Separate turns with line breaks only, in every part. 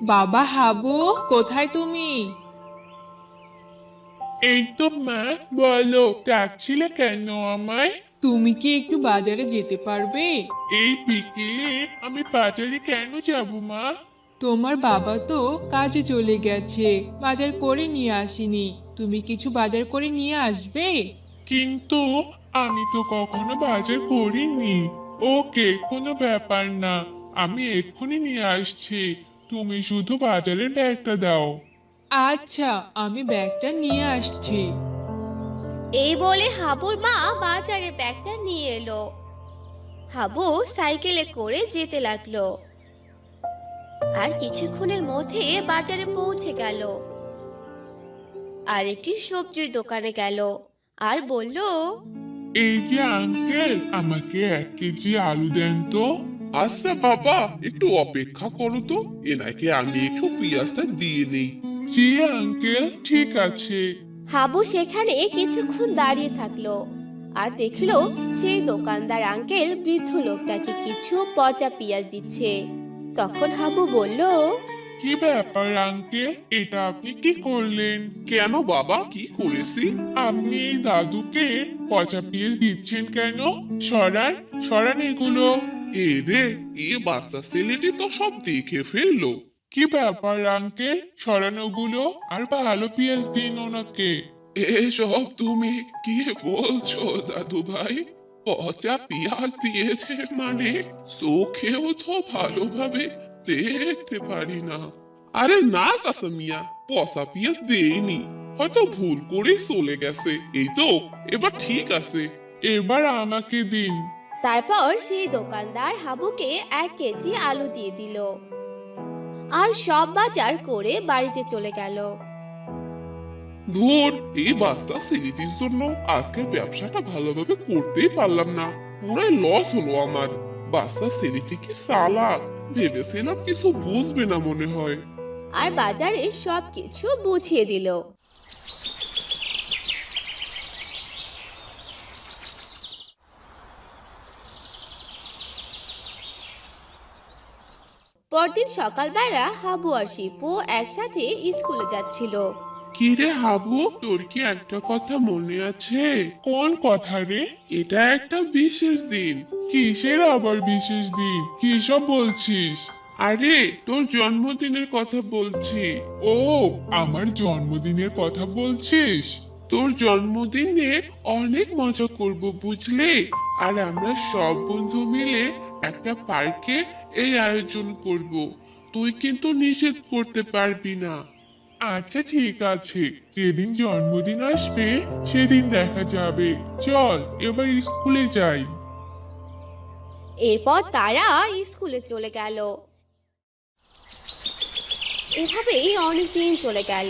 বাবা হাবু, কোথায় তুমি?
এই তো মা, বলো ডাকছিলে কেন আমায়?
তুমি কি একটু বাজারে যেতে পারবে?
এই বিকেলে আমি বাজারে কেন যাব মা?
তোমার বাবা তো কাজে চলে গেছে, বাজার করে নিয়ে আসেনি। তুমি কিছু বাজার করে নিয়ে আসবে?
কিন্তু আমি তো কখনো বাজার করিনি। ওকে, কোনো ব্যাপার না, আমি এক্ষুনি নিয়ে আসছি। তুমি শুধু বাজারের ব্যাগটা দাও।
আচ্ছা, আমি ব্যাগটা নিয়ে আসছি।
এই বলে হাবুর মা বাজারের ব্যাগটা নিয়ে এলো। হাবু সাইকেলে করে যেতে লাগলো আর কিছুক্ষণের মধ্যে বাজারে পৌঁছে গেল। আর একটি সবজির দোকানে গেল আর বলল,
এই যে আঙ্কেল, আমাকে 1 কেজি আলু দেন তো।
আচ্ছা বাবা, একটু অপেক্ষা করো তো, এনাকে আমি একটু পেঁয়াজটা দিয়ে নেই।
জি আঙ্কেল, ঠিক আছে।
হাবু সেখানে কিছুক্ষণ দাঁড়িয়ে থাকলো আর দেখলো সেই দোকানদার আঙ্কেল বৃদ্ধ লোকটাকে কিছু পচা পেঁয়াজ দিচ্ছে। তখন হাবু বলল,
কি ব্যাপার আঙ্কেল, এটা আপনি কি করলেন?
কেন বাবা, কি করেছি?
আপনি এই দাদুকে পচা পেঁয়াজ দিচ্ছেন কেন? সরান, সরান এগুলো।
এ রে, এ বাচ্চা ছেলেটি তো সব দেখে ফেললো।
কি ব্যাপার আঙ্কেল, সরানোগুলো আর ভালো পেঁয়াজ দিন ওনাকে।
এসব তুমি কি বলছো দাদু ভাই? পচা পেঁয়াজ দিয়েছে মানে? চোখেও তো ভালোভাবে দেখতে পারি না। আরে না চাচা মিয়া, পচা পেঁয়াজ দেয়নি, হয়তো ভুল করে চলে গেছে। এই তো, এবার ঠিক আছে।
এবার আমাকে দিন।
তারপর সেই দোকানদার হাবুকে 1 কেজি আলু দিয়ে দিল আর সব বাজার করে বাড়িতে চলে গেল।
ধুর, এই বাচ্চা ছেলেটির জন্য আজকের ব্যবসাটা ভালোভাবে করতেই পারলাম না। পুরাই লস হলো আমার। বাচ্চা ছেলেটি কি চালাক, ভেবেছিলাম কিছু বুঝবে না মনে হয়।
আর বাজারে সব কিছু বুঝিয়ে দিল। পরদিন সকালবেলা হাবু আর শিপু একসাথে স্কুলে যাচ্ছিল।
কিরে হাবু, তোর কি একটা কথা মনে আছে?
কোন কথা রে?
এটা একটা বিশেষ দিন।
কিসের আবার বিশেষ দিন? কি সব বলছিস?
আরে, তোর জন্মদিনের কথা বলছি।
ও, আমার জন্মদিনের কথা বলছিস?
তোর জন্মদিনে অনেক মজা করব বুঝলে। আর আমরা সব বন্ধু মিলে একটা পার্কে এই আয়োজন করব। তুই কিন্তু নিষেধ করতে পারবি না।
আচ্ছা ঠিক আছে, যেদিন জন্মদিন আসবে সেদিন দেখা যাবে। চল এবার স্কুলে যাই।
এরপর তারা স্কুলে চলে গেল। এভাবেই অনেক দিন চলে গেল।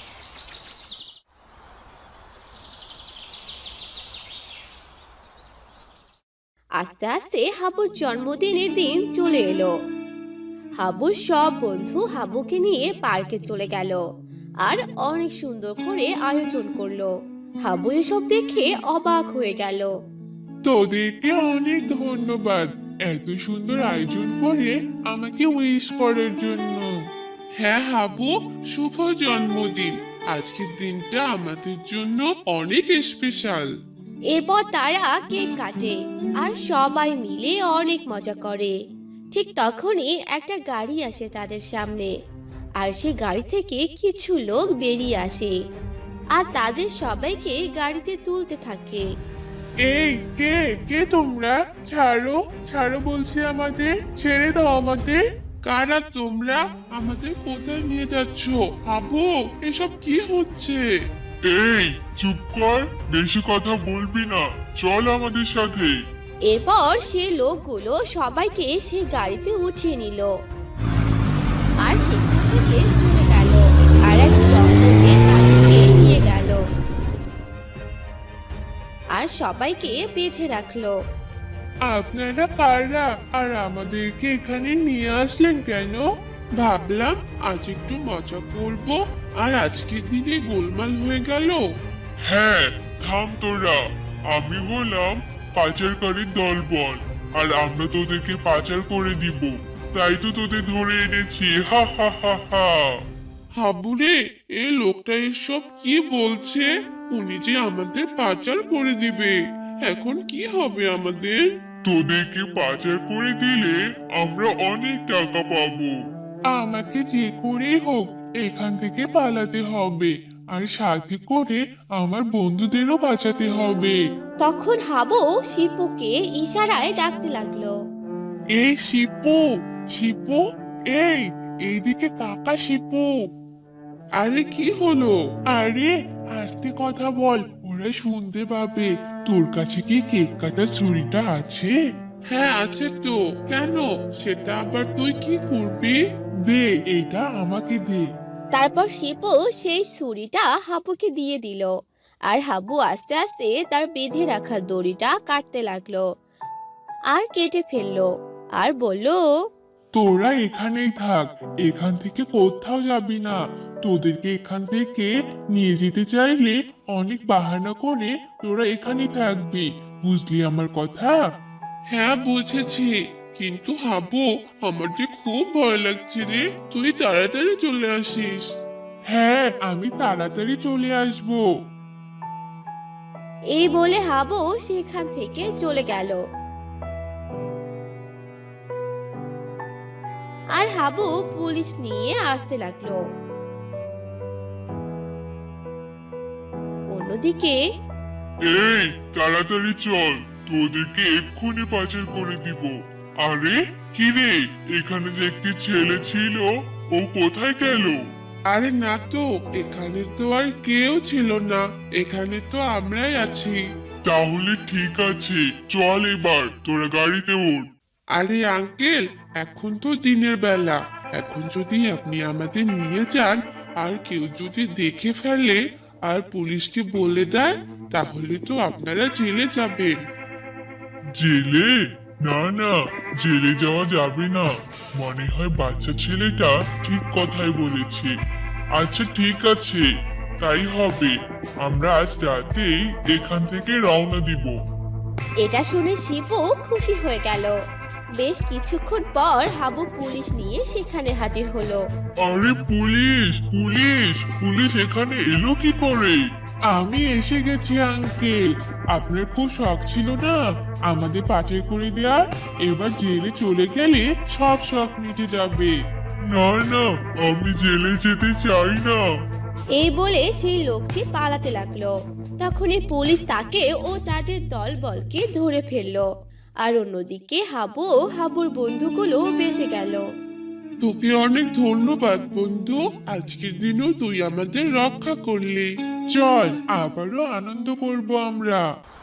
আস্তে আস্তে হাবুর জন্মদিনের দিন চলে এলো। হাবুর সব বন্ধু হাবুকে নিয়ে পার্কে চলে গেল আর অনেক সুন্দর করে আয়োজন করলো। হাবু এসব দেখে অবাক হয়ে গেল।
তোদেরকে অনেক ধন্যবাদ, এত সুন্দর আয়োজন করে আমাকে উইশ করার জন্য।
হ্যাঁ হাবু, শুভ জন্মদিন। আজকের দিনটা আমাদের জন্য অনেক স্পেশাল।
এরপর তারা কেক কাটে আর সবাই মিলে অনেক মজা করে। ঠিক তখনই একটা গাড়ি আসে তাদের সামনে আর সে গাড়ি থেকে কিছু লোক বেরিয়ে আসে আর তাদের সবাইকে গাড়িতে তুলতে থাকে।
এই কে কে তোমরা? ছাড়ো, ছাড়ো বলছি, আমাদের ছেড়ে দাও আমাদের।
কারা তোমরা? আমাদের কোথায় নিয়ে যাচ্ছ? হাবু, এসব কি হচ্ছে?
এই চুপ কর, বেশি কথা বলবি না, চল আমাদের সাথে।
এরপর সে লোকগুলো সবাইকে সেই গাড়িতে উঠিয়ে নিল আর সেখান থেকে চলে গেল আর এক জঙ্গলে তাদেরকে নিয়ে গেল আর সবাইকে বেঁধে রাখলো।
আপনারা কারা আর আমাদেরকে এখানে নিয়ে আসলেন কেন?
ভাবলাম আজ একটু মজা করব, আর আজকের দিনে গোলমাল হয়ে গেল।
হ্যাঁ, থাম তোরা। আমি হলাম পাচারকারীর দলবল, আর আমরা তোদেরকে পাচার করে দিব। তাই তো তোদের ধরে এনেছি, হা হা হা হা।
হাবুরে, এই লোকটা এসব কি বলছে? উনি যে আমাদের পাচার করে দিবে। এখন কি হবে আমাদের?
তোদেরকে পাচার করে দিলে আমরা অনেক টাকা পাবো।
আমাকে যে করেই হোক এখান থেকে পালাতে হবে, আর সাথে করে আমার বন্ধুদেরও বাঁচাতে হবে।
তখন হাবু শিপুকে ইশারায় ডাকতে লাগলো।
এই শিপু, শিপু, এইদিকে তাকা শিপু।
আরে কি হলো?
আরে আস্তে কথা বল, ওরা শুনতে পাবে। তোর কাছে কি কেক কাটার ছুরিটা আছে?
হ্যাঁ আছে তো, কেন? সেটা আবার তুই কি করবি?
দে, এটা আমাকে দে।
তারপর শিপু সেই ছুরিটা হাবুকে দিয়ে দিল, আর হাবু আস্তে আস্তে তার বেঁধে রাখা দড়িটা কাটতে লাগলো আর কেটে ফেললো, আর বলল,
তোরা এখানেই থাক, এখান থেকে কোথাও যাবি না। তোদেরকে এখান থেকে নিয়ে যেতে চাইলে অনেক বাহানা করে তোরা এখানেই থাকবি, বুঝলি আমার কথা?
হ্যাঁ বুঝেছি, কিন্তু হাবু আমার যে খুব ভয় লাগছে রে, তুই তাড়াতাড়ি চলে আসিস।
হ্যাঁ, আমি তাড়াতাড়ি চলে আসবো।
এই বলে হাবু সেখান থেকে চলে গেল। আর হাবু পুলিশ নিয়ে আসতে লাগলো। অন্যদিকে
এই তাড়াতাড়ি চল, তোদেরকে এক্ষুনি পাচার করে দিব। আরে কি রে, এখানে যে একটি ছেলে ছিল, ও কোথায় গেল?
আরে না তো, এখানে তো আর কেউ ছিল না, এখানে তো আমরাই আছি।
তাহলে ঠিক আছে, চল এবার তোরা গাড়িতে ওঠ।
আরে আঙ্কেল, এখন তো দিনের বেলা, এখন যদি আপনি আমাদের নিয়ে যান আর কেউ যদি দেখে ফেলে আর পুলিশকে বলে দেয়, তাহলে তো আপনারা জেলে যাবেন।
জেলে? না না, জেলে যাওয়া যাবে না। মনে হয় বাচ্চা ছেলেটা ঠিক কথাই বলেছে। আচ্ছা ঠিক আছে, তাই হবে। আমরা আজ রাতেই এখান থেকে রওনা দিব।
এটা শুনে শিপু খুশি হয়ে গেল। বেশ কিছুক্ষণ পর হাবু পুলিশ নিয়ে সেখানে হাজির হলো।
আরে পুলিশ, পুলিশ, পুলিশ এখানে এলো কি করে?
আমি এসে গেছি আঙ্কেল। আপনার খুব শখ ছিল না আমাদের পাচার করে দেওয়ার? এবার জেলে চলে গেলে সব শখ মিটে যাবে।
না না, আমি জেলে যেতে চাই না।
এই বলে সেই লোকটি পালাতে লাগলো। তখনই পুলিশ তাকে ও তাদের দলবলকে ধরে ফেললো। আর অন্যদিকে হাবু ও হাবুর বন্ধুগুলো বেঁচে গেল।
তোকে অনেক ধন্যবাদ বন্ধু, আজকের দিনও তুই আমাদের রক্ষা করলি।
চল আবারও আনন্দ করব আমরা।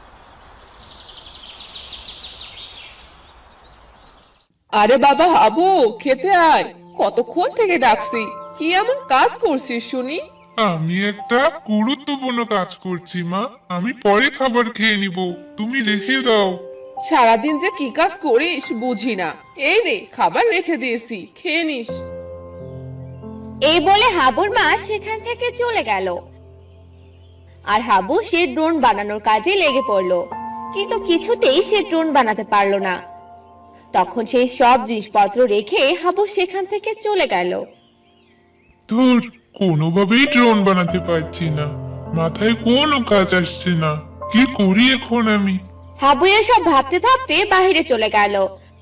আরে বাবা হাবু, খেতে আয়। কতক্ষণ থেকে ডাকছি, কি এমন কাজ করছিস শুনি?
আমি একটা গুরুত্বপূর্ণ কাজ করছি মা, আমি পরে খাবার খেয়ে নিব, তুমি রেখে দাও।
সারাদিন যে কি কাজ করিস বুঝি না। এই রে, খাবার রেখে দিয়েছি, খেয়ে নিস।
এই বলে হাবুর মা সেখান থেকে চলে গেল। আর হাবু সে ড্রোন বানানোর কাজে লেগে পড়লো, কিন্তু কিছুতেই সে ড্রোন বানাতে পারলো না। তখন সেই সব জিনিসপত্র রেখে হাবু সেখান থেকে চলে গেল।
ধুর, কোনোভাবেই ড্রোন বানাতে পারছি না, মাথায় কোনো কাজ আসছে না, কি করি এখন আমি?
হাবু এসব ভাবতে ভাবতে বাইরে চলে গেল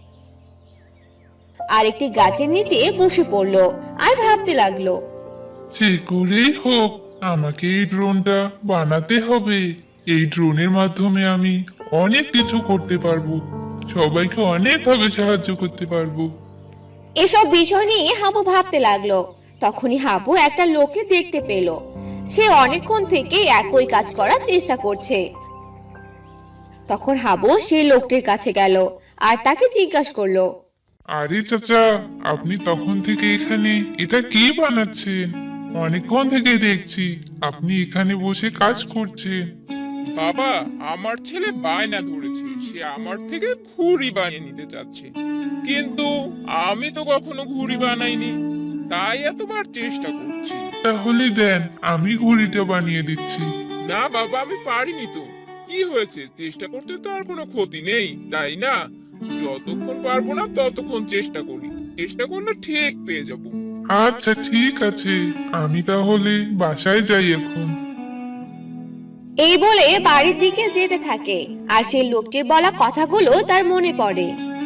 আর একটি গাছের নিচে বসে পড়লো আর ভাবতে লাগলো।
যে করেই হোক আমাকে এই ড্রোনটা বানাতে হবে। এই ড্রোনের মাধ্যমে আমি অনেক কিছু করতে পারবো, সবাইকে অনেকভাবে সাহায্য করতে পারবো।
এসব বিষয় নিয়ে হাবু ভাবতে লাগলো। তখনই হাবু একটা লোককে দেখতে পেল। সে অনেকক্ষণ থেকে একই কাজ করার চেষ্টা করছে। তখন হাবু সেই লোকটির কাছে গেল আর তাকে জিজ্ঞাসা করলো।
আরে চাচা, আপনি তখন থেকে এখানে এটা কি বানাচ্ছেন? অনেকক্ষণ থেকে দেখছি আপনি এখানে বসে কাজ করছেন।
বাবা, আমার ছেলে বায়না ধরেছে, সে আমার থেকে ঘুড়ি বানিয়ে নিতে চাচ্ছে, কিন্তু আমি তো কখনো ঘুড়ি বানাইনি, তাই এতবার চেষ্টা করছি।
তাহলে দেন, আমি ঘড়িটা বানিয়ে দিচ্ছি।
না বাবা, আমি পারিনি তো। কি হয়েছে, চেষ্টা করতে তো আর কোনো ক্ষতি নেই, তাই না? যতক্ষণ পারবো না ততক্ষণ চেষ্টা করি। চেষ্টা করলে ঠিক পেয়ে যাব।
আচ্ছা ঠিক আছে, আমি তাহলে বাসায় যাই এখন।
এই বলে বাড়ির দিকে যেতে থাকে আর সেই লোকটির বলা কথাগুলো তার মনে পড়ে।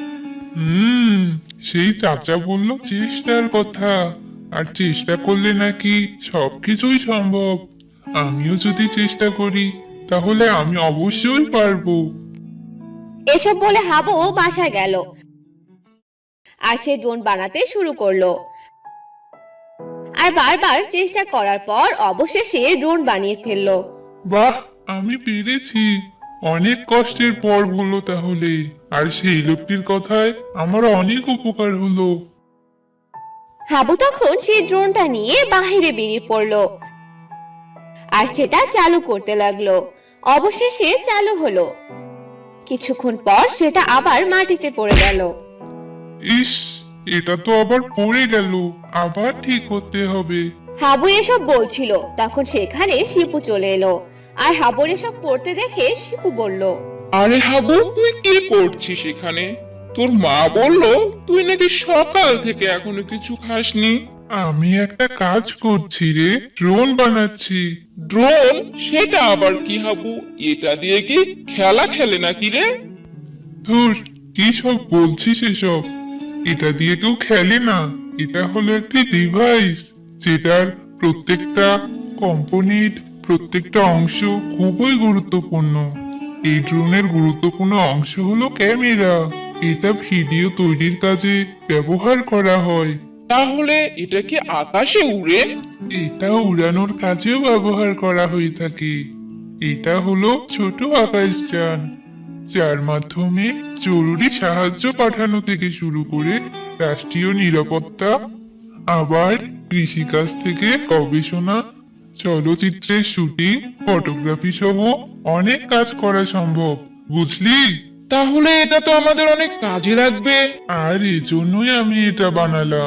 সেই চাচা বলল চেষ্টার কথা, আর চেষ্টা করলে নাকি সবকিছুই সম্ভব। আমিও যদি চেষ্টা করি তাহলে আমি অবশ্যই পারবো।
এসব বলে হাবু বাসায় গেল আর সে ড্রোন বানাতে শুরু করলো। আর বারবার চেষ্টা করার পর অবশেষে ড্রোন বানিয়ে ফেললো।
বাহ, আমি পেরেছি। অনেক কষ্টের পর হলো তাহলে, আর সেই লোকটির কথায় আমার অনেক উপকার হলো।
হাবু তখন সেই ড্রোনটা নিয়ে বাহিরে বেরিয়ে পড়লো আর সেটা চালু করতে লাগলো। অবশেষে চালু হলো। কিছুক্ষণ পর সেটা আবার মাটিতে পড়ে গেল।
ইস, এটা তো আবার পড়ে গেল, আবার ঠিক করতে হবে।
হাবু এসব বলছিল তখন সেখানে শিপু চলে এলো আর হাবুর এসব করতে দেখে শিপু বলল,
আরে হাবু, তুই কি করছিস এখানে? তোর মা বললো তুই নাকি সকাল থেকে এখনো কিছু খাসনি।
আমি একটা কাজ করছি রে, ড্রোন বানাচ্ছি।
ড্রোন? সেটা আবার কি হাবু? এটা দিয়ে কি খেলা খেলে নাকি রে?
ধুর, কি সব বলছিস এসব? এটা দিয়ে কেউ খেলে না। এটা হলো একটি ডিভাইস, যেটার প্রত্যেকটা কম্পোনেন্ট, প্রত্যেকটা অংশ খুবই গুরুত্বপূর্ণ। এই ড্রোনের গুরুত্বপূর্ণ অংশ হলো ক্যামেরা। এটা ভিডিও তৈরির কাজে ব্যবহার করা হয়।
তাহলে এটা কি আকাশে উড়ে?
এটা উড়ানোর কাজেও ব্যবহার করা হয়ে থাকে। এটা হলো ছোট আকাশযান, যার মাধ্যমে জরুরি সাহায্য পাঠানো থেকে শুরু করে রাষ্ট্রীয় নিরাপত্তা, আবার কৃষিকাজ থেকে গবেষণা, চলচ্চিত্রের শুটিং, ফটোগ্রাফি সহ অনেক কাজ করা সম্ভব, বুঝলি?
তাহলে এটা তো আমাদের অনেক কাজে লাগবে।
আর এজন্যই আমি এটা বানালাম।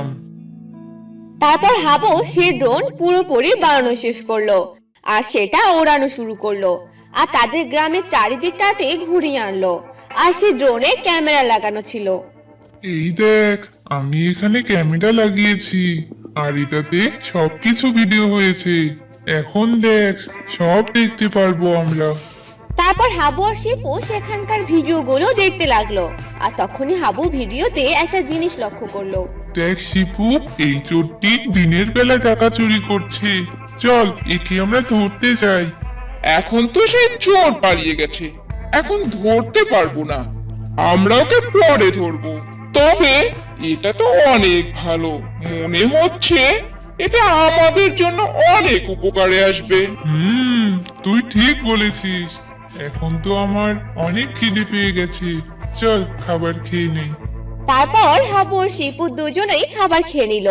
তারপর হাবু সে ড্রোন পুরোপুরি বানানো শেষ করলো আর সেটা ওড়ানো শুরু করলো আর তাদের গ্রামের চারিদিকটাতে ঘুরিয়ে আনলো। আর সে ড্রোনে ক্যামেরা লাগানো ছিল।
এই দেখ, আমি এখানে ক্যামেরা লাগিয়েছি, আর এটাতে সবকিছু ভিডিও হয়েছে। এখন দেখ, সব দেখতে পারবো আমরা।
তারপর হাবু আর শিপু সেখানকার ভিডিওগুলো দেখতে লাগলো আর তখনই হাবু ভিডিওতে একটা জিনিস লক্ষ্য করলো।
দেখ শিপু, এই চোরটি দিনের বেলা টাকা চুরি করছে। চল, একে আমরা ধরতে যাই।
এখন তো সেই চোর পালিয়ে গেছে, এখন ধরতে পারবো না। আমরা ওকে পরে ধরবো। তবে এটা তো অনেক ভালো, মনে হচ্ছে এটা আমাদের জন্য অনেক উপকারে আসবে।
তুই ঠিক বলেছিস। এখন তো আমার অনেক খিদে পেয়ে গেছে। চল, খাবার খেয়ে নেই।
তারপর হাবু আর শিপু দুজনেই খাবার খেয়ে নিল।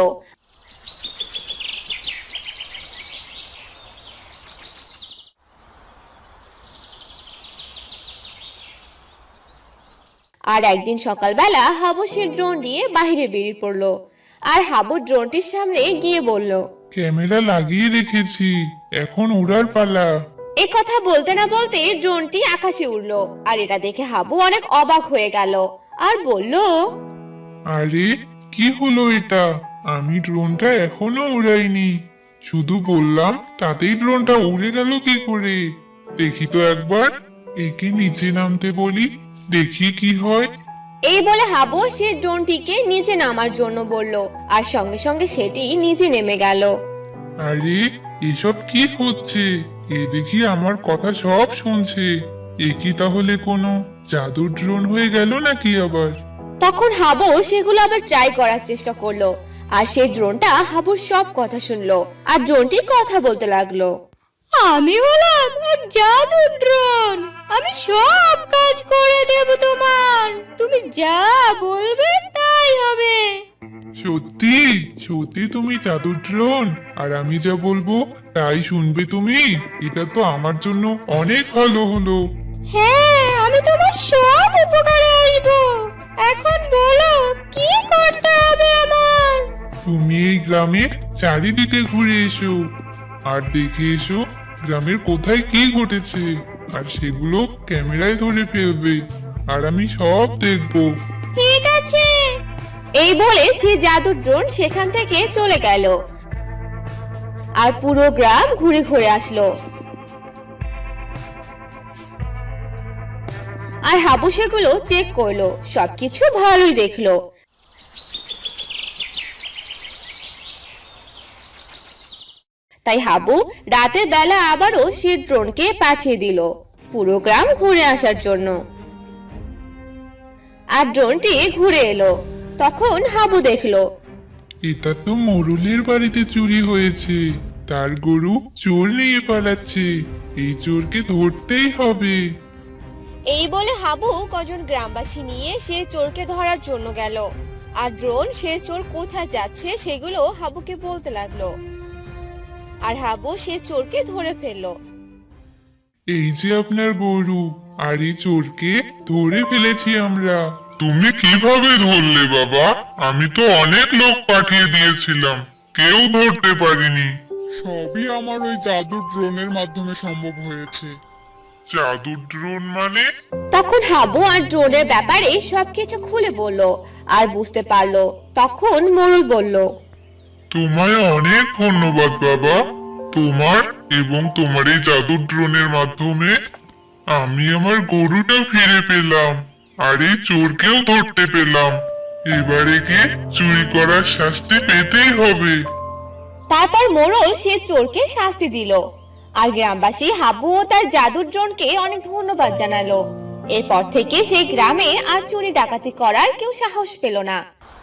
আর একদিন সকালবেলা হাবু সে ড্রোন নিয়ে বাইরে বেরিয়ে পড়লো আর হাবু ড্রোনটির সামনে গিয়ে বলল,
ক্যামেরা লাগিয়ে রেখেছি, এখন উড়ার পালা।
এ কথা বলতে না বলতে ড্রোনটি আকাশে উড়লো আর এটা দেখে হাবু অনেক অবাক হয়ে গেল আর বলল,
আরে, কি হলো এটা? আমি ড্রোনটা এখনো উড়াইনি, শুধু বললাম, তাতেই ড্রোনটা উড়ে গেল কি করে? দেখি তো একবার, একে নিচে নামতে বলি, দেখি কি হয়।
এই বলে হাবু সে ড্রোনটিকে নিচে নামার জন্য বলল আর সঙ্গে সঙ্গে সেটি নিচে নেমে গেল।
আরে, এসব কি হচ্ছে? এ দেখি আমার কথা সব শুনছে। এ কি তাহলে কোনো জাদুর ড্রোন হয়ে গেল নাকি আবার?
তখন হাবু সেগুলো আবার ট্রাই করার চেষ্টা করলো আর সেই ড্রোনটা হাবুর সব কথা শুনলো আর ড্রোনটি কথা বলতে লাগলো। আমি হলাম এক জাদুর ড্রোন, আমি সব কাজ করে দেব তোমার, তুমি যা বলবে তাই হবে।
সত্যি সত্যি তুমি জাদুর ড্রোন, আর আমি যা বলবো তাই শুনবে তুমি? এটা তো আমার জন্য অনেক ভালো হলো।
হ্যাঁ, আমি তোমার সব উপকারে আসবো। এখন বলো কি করতে হবে আমার?
তুমি এই গ্রামের চারিদিকে ঘুরে এসো, আর দেখে এসো গ্রামের কোথায় কি ঘটেছে, আর সেগুলো ক্যামেরায় ধরে ফেলবে, আর আমি সব দেখবো।
ঠিক আছে। এই বলে সে জাদুর ড্রোন সেখান থেকে চলে গেল আর পুরো গ্রাম ঘুরে ঘুরে আসলো। আর হাবু সেগুলো চেক করলো, সবকিছু ভালোই দেখলো। তাই হাবু রাতের বেলা আবারও সে ড্রোনকে পাঠিয়ে দিল পুরো গ্রাম ঘুরে আসার জন্য। আর ড্রোনটি ঘুরে এলো, তখন হাবু দেখলো
এটা তো মোরলের বাড়িতে চুরি হয়েছে, তার গরু চোর নিয়ে পালাচ্ছে, এই চোরকে ধরতেই হবে।
এই বলে হাবু কজন গ্রামবাসী নিয়ে সে চোরকে ধরার জন্য গেল। আর ড্রোন সে চোর কোথায় যাচ্ছে সেগুলো হাবুকে বলতে লাগলো। আর হাবু সে চোরকে ধরে ফেললো।
এই যে আপনার গরু, আর এই চোরকে ধরে ফেলেছি আমরা।
তুমি কিভাবে ধরলে বাবা? আমি তো অনেক লোক পাঠিয়ে দিয়েছিলাম, কেউ ধরতে পারিনি।
সবই আমার ওই জাদুর ড্রোনের মাধ্যমে সম্ভব হয়েছে।
জাদুর ড্রোন মানে?
তখন হাবু আর ড্রোনের ব্যাপারে সবকিছু খুলে বলল আর বুঝতে পারলো। তখন মোরল বলল,
তোমায় অনেক ধন্যবাদ বাবা। তোমার এবং তোমার এই জাদুর ড্রোনের মাধ্যমে আমি আমার গরুটা ফিরে পেলাম, আর এই চোরকেও ধরতে পেলাম। এবারে কি চুরি করার শাস্তি পেতেই হবে।
তারপর মোরল সে চোরকে শাস্তি দিল। আর গ্রামবাসী হাবু ও তার জাদুর ড্রোনকে অনেক ধন্যবাদ জানালো। এরপর থেকে সেই গ্রামে আর চুরি ডাকাতি করার কেউ সাহস পেল না।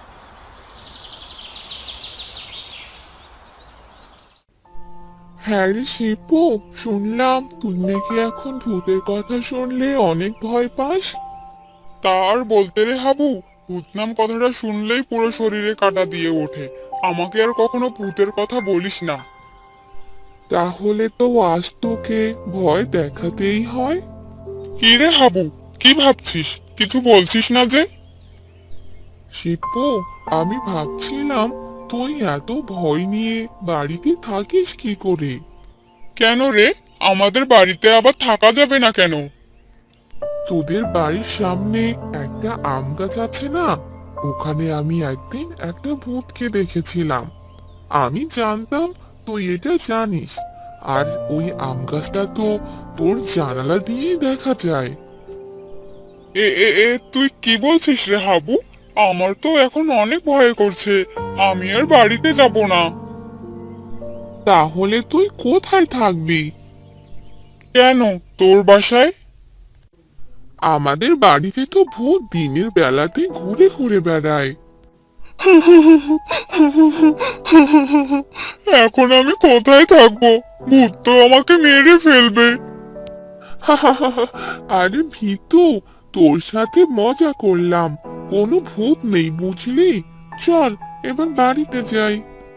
হ্যাঁ রে শিপু, শুনলাম তুই নাকি এখন ভূতের কথা শুনলে অনেক ভয় পাস। তার বলতে রে হাবু, ভূত নাম কথাটা শুনলেই পুরো শরীরে কাঁটা দিয়ে ওঠে। আমাকে আর কখনো ভূতের কথা বলিস না। তাহলে তো আজ তোকে ভয় দেখাতেই হয়। কি রে হাবু, কি ভাবছিস? কিছু বলছিস না যে? শিপু, আমি ভাবছিলাম তুই এত ভয় নিয়ে বাড়িতে থাকিস কি করে? কেন রে, আমাদের বাড়িতে আবার থাকা যাবে না কেন? তোদের বাড়ির সামনে একটা আম গাছ আছে না, ওখানে আমি একদিন একটা ভূতকে দেখেছিলাম। আমি জানতাম তুই এটা জানিস, আর ওই আম গাছটা তো তোর জানালা দিয়েই দেখা যায়। এ এ এ তুই কি বলছিস রে হাবু? আমার তো এখন অনেক ভয় করছে, আমি আর বাড়িতে যাব না। তাহলে তুই কোথায় থাকবি? কেন, তোর বাসায়? আমাদের বাড়িতে তো ভূত দিনের বেলাতে ঘুরে ঘুরে বেড়ায়। এখন আমি কোথায় থাকবো? ভূত তো আমাকে মেরে ফেলবে। আরে ভীতু, তোর সাথে মজা করলাম, কোনো ভূত নেই বুঝলি। চল এবার বাড়িতে যাই।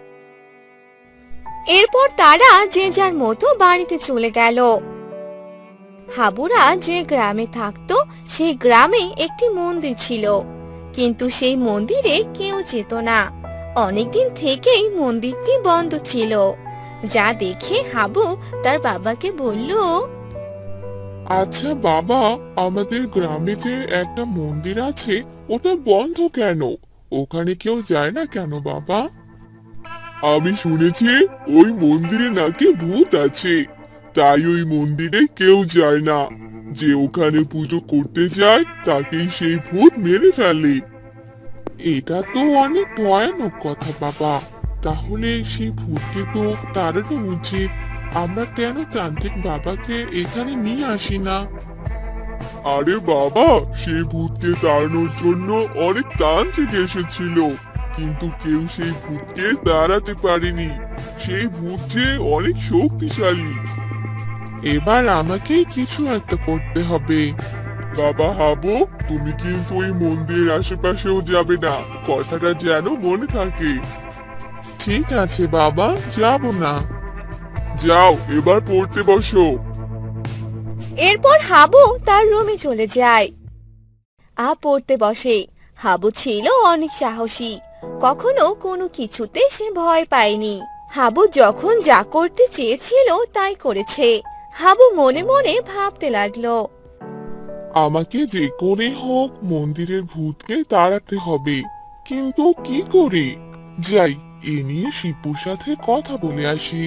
এরপর তারা যে যার মতো বাড়িতে চলে গেল। হাবুরা যে গ্রামে থাকতো সেই গ্রামে একটি মন্দির ছিল, কিন্তু সেই মন্দিরে কেউ যেত না। অনেকদিন থেকেই মন্দিরটি বন্ধ ছিল। যা দেখে হাবু তার বাবাকে বলল,
আচ্ছা বাবা, আমাদের গ্রামে যে একটা মন্দির আছে ওটা বন্ধ কেন? ওখানে কেউ যায় না কেন বাবা? আমি শুনেছি ওই মন্দিরে নাকি ভূত আছে, তাই ওই মন্দিরে কেউ যায় না। যে ওখানে পুজো করতে যায় তাকেই সেই ভূত মেরে ফেলে। এটা তো অনেক ভয়ানক কথা বাবা। তাহলে সেই ভূতকে তো তাড়ানো উচিত। আমরা কেন তান্ত্রিক বাবাকে এখানে নিয়ে আসি না? আরে বাবা, সেই ভূতকে তাড়ানোর জন্য অনেক তান্ত্রিক এসেছিল, কিন্তু কেউ সেই ভূতকে তাড়াতে পারেনি। সেই ভূত যে অনেক শক্তিশালী। এবার আমাকেই কিছু একটা করতে হবে। বাবা হাবু, তুমি কিন্তু ওই মন্দিরের আশেপাশেও যাবে না, কথাটা যেন মনে থাকে। ঠিক আছে বাবা, যাব না। যাও, এবার পড়তে বসো।
এরপর হাবু তার রুমে চলে যায়। পড়তে বসে। হাবু ছিল অনেক সাহসী, কখনো কোনো কিছুতে সে ভয় পায়নি। হাবু যখন যা করতে চেয়েছিল তাই করেছে। হাবু মনে মনে ভাবতে লাগলো,
আমাকে যে করে হোক মন্দিরের ভূতকে তাড়াতে হবে। কিন্তু কি করি? যাই, এ নিয়ে শিপুর সাথে কথা বলে আসি।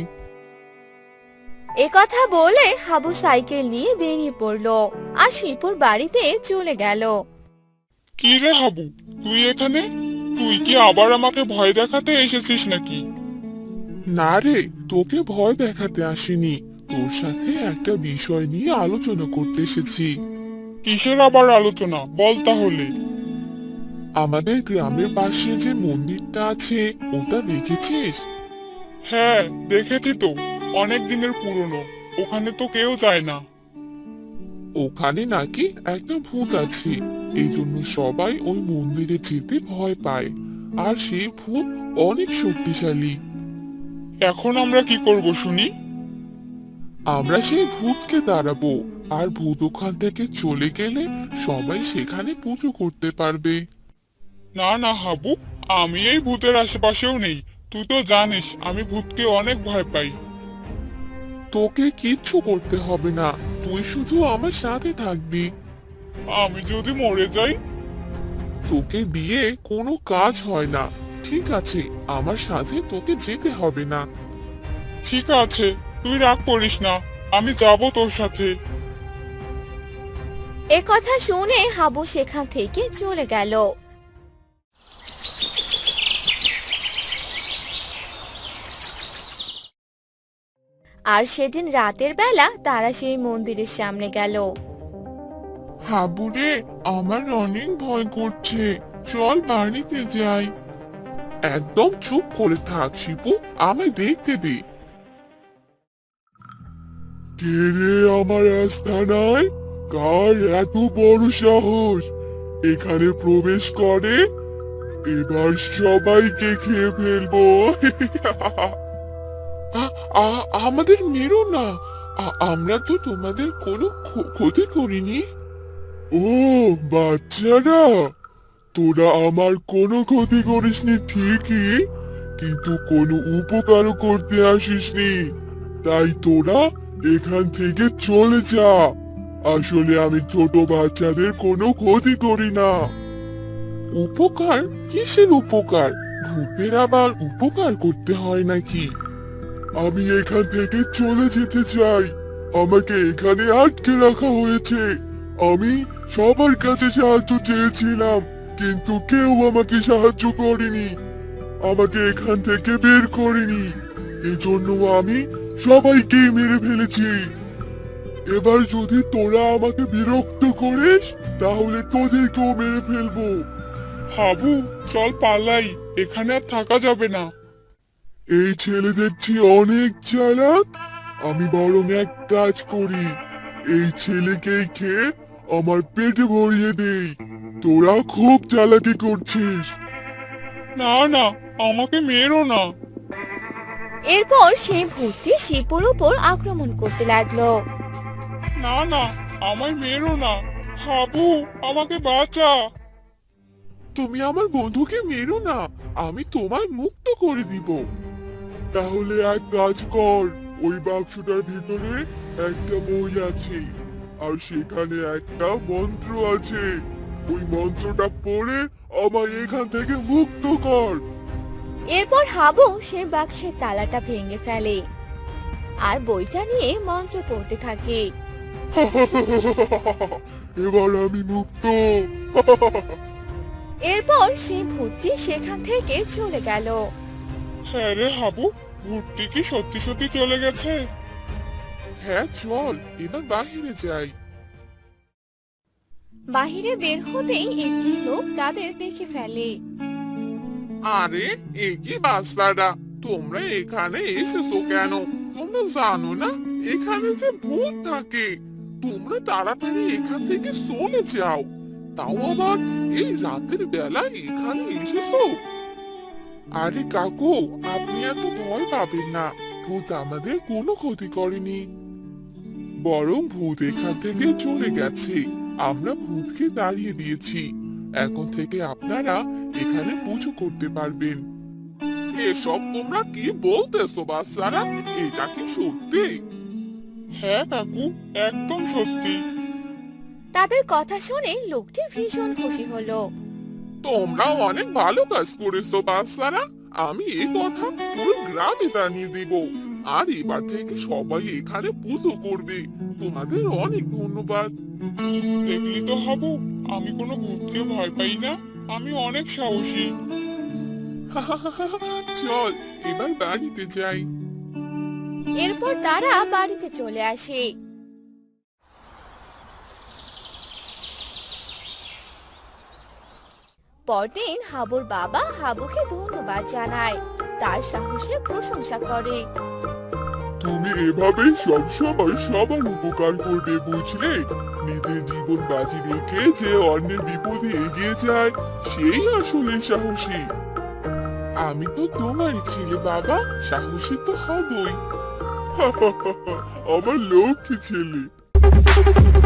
এ কথা বলে হাবু সাইকেল নিয়ে বেরিয়ে পড়লো আর শিপুর বাড়িতে চলে গেল।
কি রে হাবু, তুই এখানে? তুই কি আবার আমাকে ভয় দেখাতে এসেছিস নাকি?
না রে, তোকে ভয় দেখাতে আসিনি, তোর সাথে একটা বিষয় নিয়ে আলোচনা করতে এসেছি।
কিসের আবার আলোচনা, বল তাহলে।
আমাদের গ্রামের পাশে যে মন্দিরটা আছে, ওটা দেখেছিস?
হ্যাঁ, দেখেছি তো, অনেক দিনের পুরনো। ওখানে তো কেউ যায় না।
ওখানে নাকি একটা ভূত আছে, এই জন্য সবাই ওই মন্দিরে যেতে ভয় পায়। আর সেই ভূত অনেক শক্তিশালী।
এখন আমরা কি করব শুনি?
আমরা সেই ভূতকে দাঁড়াবো, আর ভূত ওখান থেকে চলে গেলে সবাই সেখানে পুজো করতে পারবে।
না না হাবু, আমি এই ভূতের আশেপাশেও নেই। তুই তো জানিস আমি ভূতকে অনেক ভয় পাই।
তোকে কিচ্ছু করতে হবে না, তুই শুধু আমার সাথে থাকবি।
আমি যদি মরে যাই?
তোকে দিয়ে কোনো কাজ হয় না, ঠিক আছে? আমার সাথে তোকে যেতে হবে না।
ঠিক আছে, তুই রাগ করিস না, আমি যাব তোর সাথে।
এ কথা শুনে হাবু সেখান থেকে চলে গেল। আর সেদিন রাতের বেলা তারা সেই মন্দিরের সামনে গেল।
হাবুরে, আমার অনেক ভয় করছে, চল বাড়িতে যাই। একদম চুপ করে থাক শিপু, আমায় দেখতে দে। কে রে আমার আস্তানায়? কার এত বড় সাহস এখানে প্রবেশ করে? এবার সবাইকে খেয়ে ফেলবো। আমাদের মেরো না, আমরা তো তোমাদের কোনো ক্ষতি করিনি। ও বাচ্চারা, তোরা আমার কোনো ক্ষতি করিসনি ঠিকই, কিন্তু কোনো উপকারও করতে আসিসনি, তাই তোরা এখান থেকে চলে যা। আসলে আমি ছোট বাচ্চাদের কোনো ক্ষতি করি না। উপকার? কিসের উপকার? ভূতের আবার উপকার করতে হয় নাকি? আমি এখান থেকে চলে যেতে চাই, আমাকে এখানে আটকে রাখা হয়েছে। আমি সবার কাছে সাহায্য চেয়েছিলাম, কিন্তু কেউ আমাকে সাহায্য করেনি, আমাকে এখান থেকে বের করেনি। এজন্য আমি সবাইকে মেরে ফেলেছি। এবার যদি তোরা আমাকে বিরক্ত করিস, তাহলে তোদেরকেও মেরে ফেলবো।
হাবু, চল পালাই, এখানে আর থাকা যাবে না।
এই ছেলে দেখছি অনেক চালাক, আমি বরং এক কাজ করি, এই ছেলেকেই খেয়ে আমার পেটে ভরিয়ে দেই। তোরা খুব চালাকি করছিস।
না না, আমাকে মেরো না।
এরপর সেই ভূতটি শিপুর উপর আক্রমণ করতে লাগলো।
না না, আমায় মেরো না। হাবু, আমাকে বাঁচা।
তুমি আমার বন্ধুকে মেরো না, আমি তোমায় মুক্ত করে দিব। তাহলে এক কাজ কর, ওই বাক্সটার ভিতরে একটা বই আছে, আর সেখানে একটা মন্ত্র আছে। ওই মন্ত্রটা পড়ে আমায় এখান থেকে মুক্ত কর।
এরপর হাবু সেই বাক্সের তালাটা ভেঙে ফেলে আর বইটা নিয়ে মন্ত্র পড়তে থাকে।
এবার আমি মুক্ত।
এরপর সেই ভূতটি সেখান থেকে চলে গেল।
হ্যাঁ রে হাবু, ভূতটি কি সত্যি সত্যি চলে গেছে?
হ্যাঁ চল, এবার বাহিরে যাই।
বাহিরে বের হতেই একটি লোক তাদের দেখে ফেলে।
আরে এ কি বাচ্চারা, তোমরা এখানে এসেছো কেন? তোমরা জানো না এখানে যে ভূত থাকে? তোমরা তাড়াতাড়ি এখান থেকে চলে যাও, তাও আবার এই রাতের বেলায় এখানে এসেছো। আরে কাকু, আপনি এত ভয় পাবেন না, ভূত আমাদের কোনো ক্ষতি করেনি, বরং ভূত এখান থেকে চলে গেছে। আমরা ভূতকে তাড়িয়ে দিয়েছি, এখন থেকে আপনারা এখানে পুজো করতে পারবেন। এসব তোমরা কি বলতেছো বাচ্চারা? এটা কি সত্যি?
হ্যাঁ কাকু, একদম সত্যি।
তাদের কথা শুনে লোকটি ভীষণ খুশি হলো।
তোমরাও অনেক ভালো কাজ করেছো বাচ্চারা। আমি এই কথা পুরো গ্রামে জানিয়ে দিব। আর এবার থেকে সবাই এখানে পুজো করবে। তোমাদের অনেক ধন্যবাদ। দেখলি তো হাবু, আমি কোনো ভূতকে ভয় পাই না, আমি অনেক সাহসী। চল এবার বাড়িতে যাই।
এরপর তারা বাড়িতে চলে আসে। পরদিন হাবুর বাবা হাবুকে ধন্যবাদ জানায়, তার সাহসের প্রশংসা করে।
তুমি এভাবে সবসময় সবার উপকার করবে, বুঝলে? নিজের জীবন বাজি রেখে যে অন্যের বিপদে এগিয়ে যায় সেই আসলে সাহসী। আমি তো তোমারই ছেলে বাবা, সাহসী তো হবই। আমার লক্ষ্মী ছেলে।